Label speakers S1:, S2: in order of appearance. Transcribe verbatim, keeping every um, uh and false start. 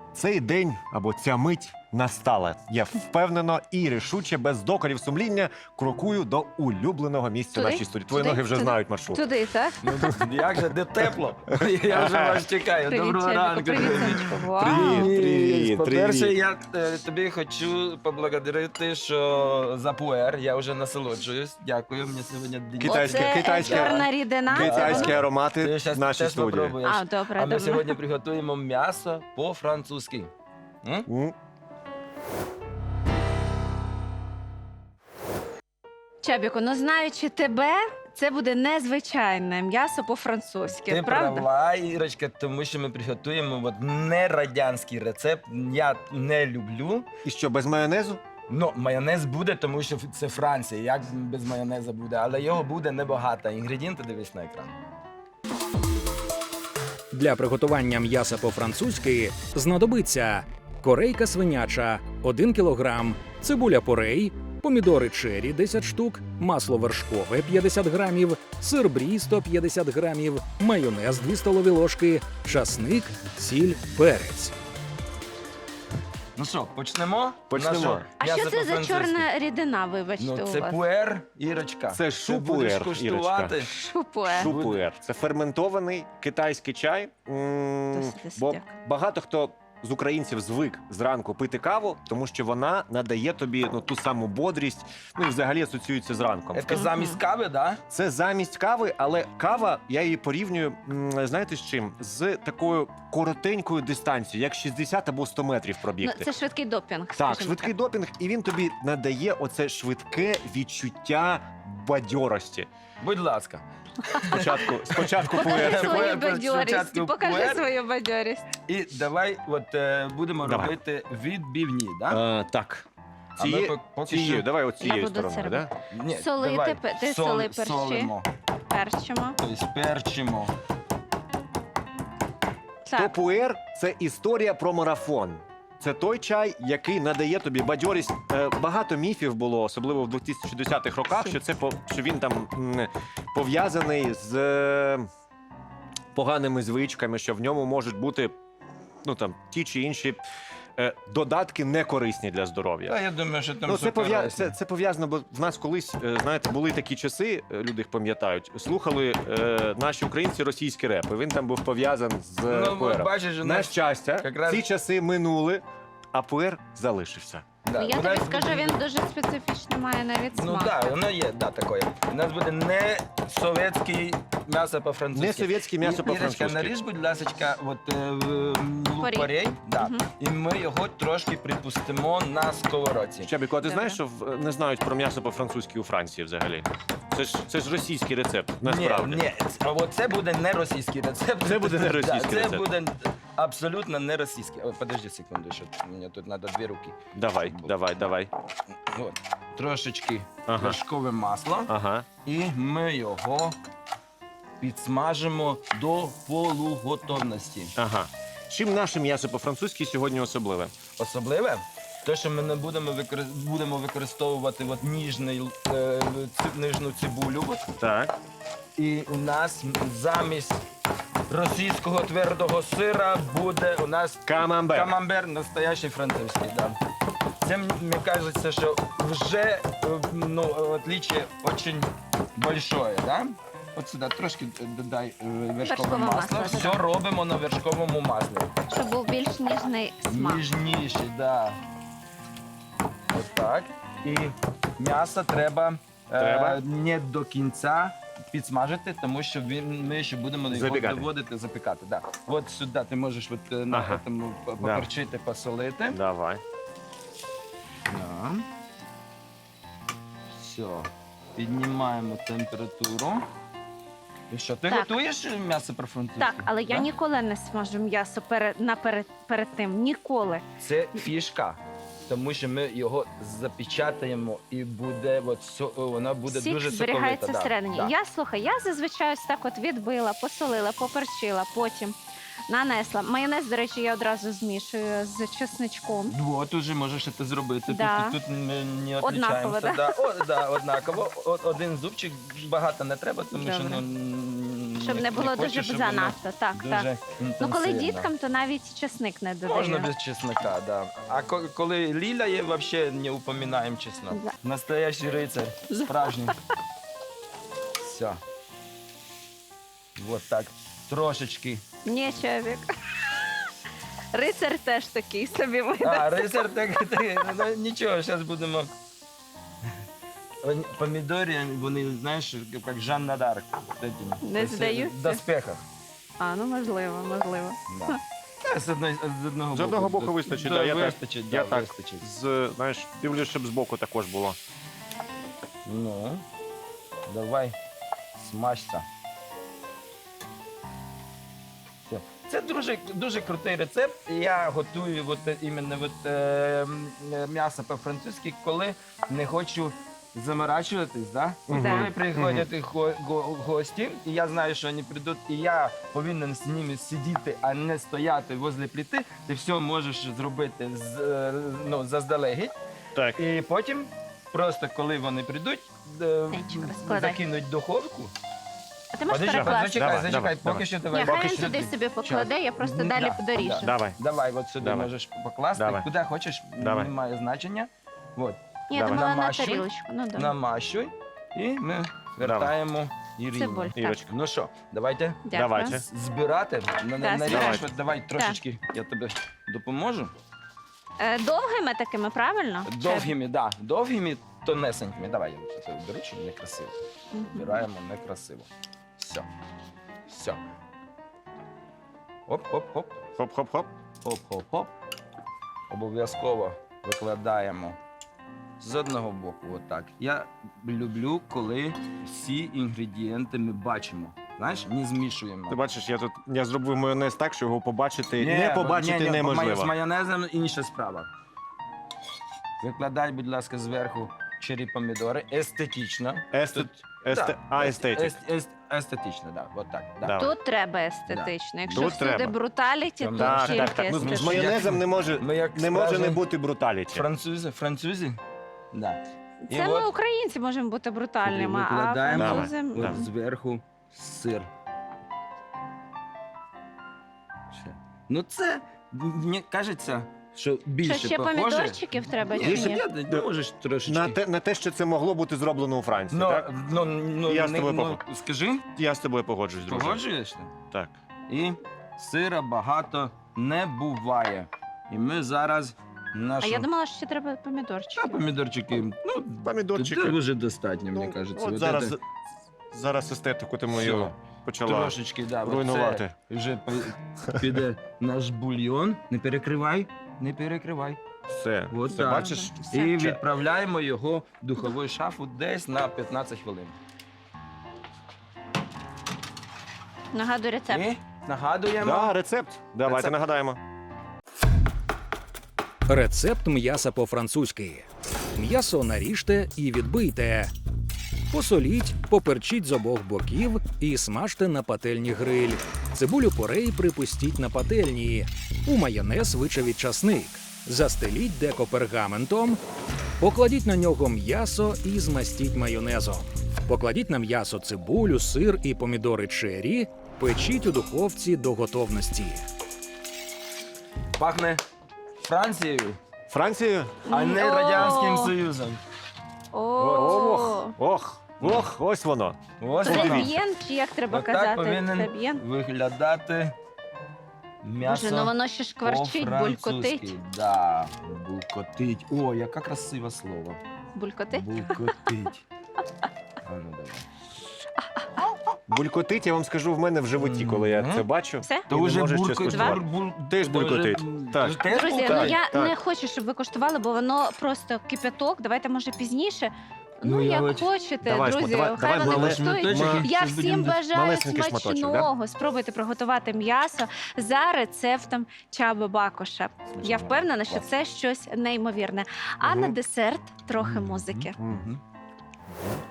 S1: Цей день або ця мить настала. Я впевнено і рішуче, без докорів сумління, крокую до улюбленого місця
S2: Туди?
S1: в нашій студії. Твої
S2: Туди?
S1: ноги вже
S2: Туди?
S1: знають маршрут.
S2: Туди, так?
S3: Ну, як же, де тепло? Я вже вас чекаю.
S2: Привіт,
S3: Доброго
S2: Чебіко,
S3: ранку.
S2: привіт, сонечко. Вау.
S1: Привіт. Привіт,
S3: По-перше,
S1: привіт.
S3: я е, тобі хочу поблагодарити, що за пуер. Я вже насолоджуюсь. Дякую. Мені сьогодні день.
S1: Китайське-
S2: Оце
S1: китайське-
S2: чорна рідина. це
S1: Китайські
S2: воно?
S1: аромати
S3: Ти
S1: в
S3: щас
S1: нашій
S3: теж
S1: студії.
S3: попробуєш.
S2: А, добре,
S3: А ми
S2: добре.
S3: сьогодні приготуємо м'ясо по-французьки. М?
S1: М,
S2: Чебіко, ну знаючи тебе, це буде незвичайне м'ясо по-французьки,
S3: Ти
S2: правда?
S3: права, Ірочка, тому що ми приготуємо от не радянський рецепт. Я не люблю.
S1: І що, без майонезу?
S3: Ну, майонез буде, тому що це Франція. Як без майонезу буде? Але його буде небагато. Інгредієнти дивись на екран.
S4: Для приготування м'яса по-французьки знадобиться корейка свиняча один кілограм, цибуля порей, помідори чері десять штук, масло вершкове п'ятдесят грамів, сир брі сто п'ятдесят грамів, майонез дві столові ложки, часник, сіль, перець.
S3: Ну що, почнемо?
S1: Почнемо.
S3: Наше
S2: А
S3: м'ясо
S2: що це за
S3: по-французьки.
S2: чорна рідина, вибачте,
S3: Ну,
S2: у
S3: це
S2: вас?
S3: пуер, Ірочка.
S1: Це
S3: Ти
S1: шупуер,
S3: будеш
S1: Ірочка.
S3: куштувати.
S2: Шупуе.
S1: Шупуер. Це ферментований китайський чай. М,
S2: Досить, досить
S1: Бо
S2: як.
S1: багато хто з українців звик зранку пити каву, тому що вона надає тобі ну, ту саму бодрість, ну і взагалі асоціюється з ранком.
S3: Це замість кави, да?
S1: Це замість кави, але кава, я її порівнюю, м, знаєте з чим? З такою коротенькою дистанцією, як шістдесят або сто метрів
S2: Ну,
S1: пробігти.
S2: це швидкий допінг,
S1: Так,
S2: скажімо
S1: швидкий допінг, і він тобі надає оце швидке відчуття бадьорості.
S3: Будь ласка.
S1: Спочатку, спочатку
S2: Покажи
S1: пуер.
S2: свою
S3: Пуер,
S2: бадьорість,
S3: спочатку
S2: покажи
S3: пуер.
S2: свою бадьорість.
S3: І давай от, е, будемо
S1: Давай.
S3: робити відбивні, да?
S1: А, так.
S3: А ми
S1: Ціє,
S3: пок- поки
S1: цією,
S3: що-
S1: давай от
S2: Я
S1: цією
S2: буду це
S1: стороною,
S2: робити.
S1: да?
S3: Ні,
S2: Солити,
S3: давай.
S2: пе- ти
S3: Сол-
S2: соли перші.
S3: Солимо,
S2: Перчимо.
S3: тобто перчимо.
S1: То
S2: Так,
S1: пуер – це історія про марафон. Це той чай, який надає тобі бадьорість. Е, Багато міфів було, особливо в двохтисячних роках, що це по- що він там м, пов'язаний з е, поганими звичками, що в ньому можуть бути ну там ті чи інші е, додатки некорисні для здоров'я.
S3: Та я думаю, що там
S1: Ну,
S3: все
S1: це, пов'я...
S3: корисне.
S1: це, це пов'язано, бо в нас колись, е, знаєте, були такі часи, е, люди їх пам'ятають, слухали е, наші українці російський реп, і він там був пов'язаний з е,
S3: Ну,
S1: пуером.
S3: бачиш, у
S1: На
S3: нас...
S1: щастя,
S3: якраз-
S1: ці часи минули, а пуер залишився.
S3: Да,
S2: ну, я
S3: у
S2: тобі
S3: нас
S2: скажу,
S3: буде-
S2: він дуже специфічний, має навіть
S3: Ну
S2: смак.
S3: так, да, воно є, да, таке. У нас буде не совєтське м'ясо по-французьки.
S1: Не совєтське м'ясо
S3: І-
S1: по-французьки.
S3: Ірочка, наріж, будь ласка, от, е, в- лук
S2: Порей.
S3: порей, да.
S2: Мгм.
S3: І ми його трошки припустимо на сковородці.
S1: Щебіко, а ти
S2: Добре.
S1: знаєш, що в- не знають про м'ясо по-французьки у Франції взагалі? Це ж, це ж російський рецепт, насправді.
S3: Ні, ні, а от це буде не російський рецепт.
S1: Це буде не російський
S3: Да, це
S1: рецепт.
S3: буде абсолютно не російський. О, подожди секунду, що мені тут треба дві руки.
S1: Давай, давай, давай.
S3: От. Трошечки
S1: Ага.
S3: вершкове масло.
S1: Ага.
S3: І ми його підсмажимо до полуготовності.
S1: Ага. Чим наше м'ясо по-французьки сьогодні особливе?
S3: Особливе, те, що ми не будемо, викор... будемо використовувати от ніжний, е, ці... ніжну цибулю. От.
S1: Так.
S3: І у нас замість російського твердого сира буде у нас
S1: Камамбер.
S3: камамбер настоящий французький. Да. Це мені кажеться, що вже е, ну, отличие дуже большое. Да? От сюди трошки додай е, вершкове
S2: Вершкове
S3: масло.
S2: масло,
S3: Все
S2: да.
S3: робимо на вершковому маслі.
S2: Щоб був більш ніжний смак.
S3: Ніжніший, да. Ось так. І м'ясо треба,
S1: Треба?
S3: Е, не до кінця підсмажити, тому що він, ми ще будемо його
S1: Запікати.
S3: доводити, запікати. Да. От сюди ти можеш от, е, на
S1: Ага.
S3: цьому поперчити, посолити.
S1: Давай.
S3: Да. Все. Піднімаємо температуру. І що, ти
S2: Так.
S3: готуєш м'ясо по-французьки?
S2: Так, але я
S3: Да?
S2: ніколи не смажу м'ясо перед, наперед, перед тим. Ніколи.
S3: Це фішка, тому що ми його запечатаємо і буде, от, со- воно буде
S2: Сік
S3: дуже
S2: зберігається
S3: соковите.
S2: всередині.
S3: Да.
S2: Я, слухай, я зазвичай ось так от відбила, посолила, поперчила, потім нанесла. Майонез, до речі, я одразу змішую з чесничком.
S3: От уже можеш це зробити.
S2: Да.
S3: Тут, тут ми не
S2: Однаково,
S3: відрізняємося.
S2: да?
S3: Да? О, да, однаково. О, один зубчик багато не треба, тому що
S2: Добре.
S3: ну, м,
S2: Щоб не було
S3: хочу,
S2: дуже
S3: щоб воно
S2: занадто. Так,
S3: Дуже
S2: так. Ну, коли
S3: інтенсивно.
S2: діткам, то навіть чесник не додаю.
S3: Можна без чеснока, да. А ко- коли Ліля є, взагалі не упоминаємо чеснок.
S2: Да.
S3: Настоящий рицар, справжній. Все. Вот так. Трошечки.
S2: Ні, чоловік. Рицар теж такий собі видав.
S3: А, рицар так, так ну, нічого, зараз будемо. Вони- Помідори, вони, знаєш, як Жанна Дарк.
S2: Не здаються?
S3: В доспехах.
S2: А, ну можливо, можливо.
S3: Да. Та, З, одної, з одного
S1: З одного боку вистачить, да, я так-
S3: вистачить,
S1: я
S3: да,
S1: так.
S3: вистачить.
S1: З, знаєш, дивлюсь, щоб збоку також було.
S3: Ну, давай, смажся. Все. Це дуже, дуже крутий рецепт. Я готую от, е, іменно от, е, м, е, м'ясо по-французьки, коли не хочу заморачуватись. Да?
S1: Мгм.
S2: Да.
S3: Коли приходять го- го- гості, і я знаю, що вони прийдуть, і я повинен з ними сидіти, а не стояти возле плити, ти все можеш зробити з, е, ну, заздалегідь.
S1: Так.
S3: І потім, просто коли вони прийдуть, е,
S2: Денчик, розкладай.
S3: закинуть в духовку.
S2: А ти можеш
S3: Подожди,
S2: перекласти?
S3: зачекай,
S1: Давай,
S3: зачекай,
S1: давай,
S3: поки
S1: давай.
S3: що
S2: Ні,
S3: давай.
S2: хай
S3: поки
S2: він
S3: що
S2: туди
S3: ти-
S2: собі покладе, я просто
S3: Да,
S2: далі
S3: да.
S2: доріжу.
S1: Давай.
S3: Давай, от сюди
S1: Давай.
S3: можеш покласти,
S1: Давай.
S3: куди хочеш,
S1: Давай.
S3: немає значення. От,
S2: Ні, я
S1: Давай.
S2: думала на
S3: Намащуй.
S2: тарілочку. Ну, добре.
S3: намащуй, і ми вертаємо Ірині.
S2: Цибуль. Так.
S1: Ірочка.
S3: Ну що, давайте
S2: Дякую.
S1: Давайте.
S3: збирати. На- на-
S2: Так,
S3: наріжеш,
S1: давайте.
S3: от давай трошечки, я тобі допоможу.
S2: Е, Довгими такими, правильно?
S3: Довгими, так, да, довгими, тонесенькими. Давай, я це беру, щоб не красиво.
S2: Чи- Мгм.
S3: Збираємо некрасиво. Все. Все. Оп-оп-оп.
S1: Хоп-хоп-хоп.
S3: Хоп-хоп-хоп. Обов'язково викладаємо з одного боку. Отак. Я люблю, коли всі інгредієнти ми бачимо. Знаєш, не змішуємо.
S1: Ти бачиш, я тут я зробив майонез так, що його побачити,
S3: Ні,
S1: не
S3: бо-
S1: побачити
S3: ні, ні,
S1: неможливо.
S3: З майонезом інша справа. Викладай, будь ласка, зверху чері помідори. Естетично.
S1: Естет... Есте...
S3: Да,
S1: А,
S3: ест-
S1: естетик.
S3: ест- ест- Естетично, так. Да, так. Да.
S1: Да.
S2: Тут треба естетично. Якщо
S1: Тут
S2: всюди
S1: треба.
S2: бруталіті,
S3: Там
S2: то
S1: Так,
S2: тільки
S1: так, так. Ну, з
S2: естетично.
S1: майонезом не може,
S3: Ми як
S1: не може не
S3: справжні
S1: бути бруталіті.
S3: Французи, французи? Да. І
S2: Це ми,
S3: от
S2: українці, можемо бути брутальними, а
S3: викладаємо
S2: французи...
S1: Давай.
S3: от
S1: Да.
S3: зверху сир. Ще. Ну це, мені кажеться, що більше
S2: Що ще
S3: похоже.
S2: помідорчиків треба
S3: Ні,
S2: чи
S3: ще
S2: ні?
S3: я, ти можеш трошечки.
S1: На те, на те, що це могло бути зроблено у Франції,
S3: Ну,
S1: так?
S3: ну, ну,
S1: Я з
S3: не-
S1: тобою
S3: ну,
S1: погоджуюсь.
S3: скажи,
S1: Я з тобою погоджуюсь, друже.
S3: погоджуєшся?
S1: Так.
S3: І сира багато не буває. І ми зараз
S2: А
S3: нашу...
S2: я думала, що ще треба
S3: Та
S2: помідорчики.
S3: помідорчики, ну,
S1: Помідорчики.
S3: це вже достатньо, мені
S1: Ну,
S3: кажеться.
S1: От
S3: От
S1: зараз,
S3: це-
S1: зараз естетику ти мою
S3: Всьо.
S1: почала
S3: Трошечки, да, от
S1: руйнувати.
S3: це вже пи- піде наш бульйон. Не перекривай, не перекривай.
S1: Все.
S3: От
S1: Все,
S3: так.
S1: бачиш?
S2: Все.
S3: І відправляємо його в духову шафу десь на п'ятнадцять хвилин.
S2: Нагадую рецепт.
S3: І нагадуємо.
S1: Да, рецепт. Давайте
S3: Рецепт.
S1: нагадаємо.
S4: Рецепт м'яса по-французьки. М'ясо наріжте і відбийте. Посоліть, поперчіть з обох боків і смажте на пательні гриль. Цибулю порей припустіть на пательні. У майонез вичавіть часник. Застеліть деко пергаментом. Покладіть на нього м'ясо і змастіть майонезом. Покладіть на м'ясо цибулю, сир і помідори чері. Печіть у духовці до готовності.
S3: Пахне Францією,
S1: Францію?
S3: а не
S2: О!
S3: Радянським Союзом.
S2: О,
S1: Ох, ох, ох, ось воно.
S3: Ось воно.
S2: Треб'єн, чи як треба
S3: Отак
S2: казати?
S3: повинен
S2: Треб'єн?
S3: виглядати м'ясо.
S2: Боже, ну воно ще шкварчить,
S3: по-французьки.
S2: булькотить.
S3: Да, булькотить. О, яке красиве слово.
S2: Булькотить?
S3: Булькотить. А ну давай.
S1: Булькотить, я вам скажу, в мене в животі, коли я
S3: Мгм.
S1: це бачу.
S2: Все?
S3: То
S1: І не
S3: вже
S1: можеш
S3: бурко-
S1: ще скуштувати.
S3: бур- бур-
S1: Теж
S3: то
S1: булькотить.
S3: вже, м,
S1: Так.
S3: то ж теж
S2: Друзі, ну
S3: булькотить?
S2: я
S1: так.
S2: не хочу, щоб ви коштували, бо воно просто кипяток. Давайте, може, пізніше. Ну,
S3: Ну, я
S2: як
S3: от-
S2: хочете,
S1: Давай,
S2: друзі,
S1: давай,
S2: хай
S1: давай
S2: вони
S1: мале-
S2: коштують.
S3: шматочок,
S2: Я
S3: щось
S2: всім
S3: будемо-
S2: бажаю
S1: малесенький шматочок,
S2: смачного. Спробуйте приготувати м'ясо за рецептом Чаби Бакоша. Я впевнена, що це щось неймовірне. А
S1: Мгм.
S2: на десерт трохи музики.
S1: Мгм.
S3: Мгм.